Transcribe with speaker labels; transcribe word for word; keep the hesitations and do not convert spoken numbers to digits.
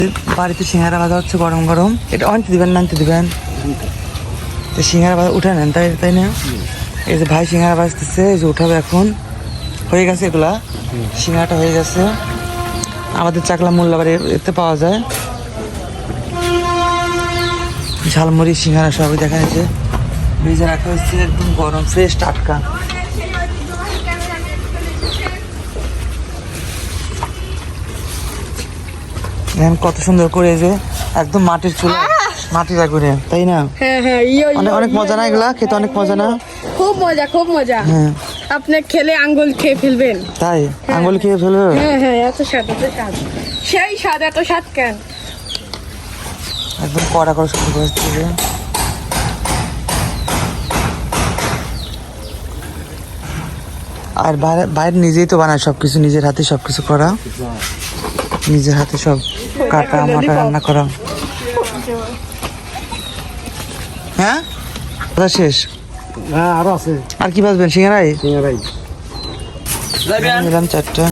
Speaker 1: বাড়িতে সিঙ্গারা ভাজা হচ্ছে গরম গরম। এটা আনতে দিবেন না আনতে দিবেন তো সিঙ্গারা ভাজা উঠে নেন তাই তাই না? এই যে ভাই সিঙ্গারা ভাজতেছে, এই যে উঠাবে এখন। হয়ে গেছে এগুলা, সিঙ্গারাটা হয়ে গেছে। আমাদের চাকলা মোল্লাবাড়ি এতে পাওয়া যায় ঝালমুড়ি সিঙ্গারা সবই দেখা যাচ্ছে। ভেজে রাখা হচ্ছে একদম গরম ফ্রেশ টাটকা। দেখেন কত সুন্দর করে, যে একদম মাটির চুলা, মাটির আগুনে, তাই না?
Speaker 2: হ্যাঁ হ্যাঁ ইয়ো
Speaker 1: অনেক অনেক মজা না এগুলা খেতে? অনেক মজা না?
Speaker 2: খুব মজা খুব মজা।
Speaker 1: হ্যাঁ
Speaker 2: আপনি খেলে আঙ্গুল খেয়ে ফেলবেন।
Speaker 1: তাই আঙ্গুল খেয়ে ফেলবে?
Speaker 2: হ্যাঁ হ্যাঁ এত স্বাদ এত স্বাদ, সেই স্বাদ এত স্বাদ কেন?
Speaker 1: একদম কড়া করে শুরু করে। আর বাইরে বাইরে নিজেই তো বানায় সবকিছু, নিজের হাতে সবকিছু করা, নিজের হাতে সব কাটা মাটা রান্না করা। হ্যাঁ শেষ?
Speaker 3: হ্যাঁ আরো আছে।
Speaker 1: আর কি ভাজবেন? সিঙ্গারাই
Speaker 3: সিঙ্গারাই
Speaker 1: নিলাম চারটা।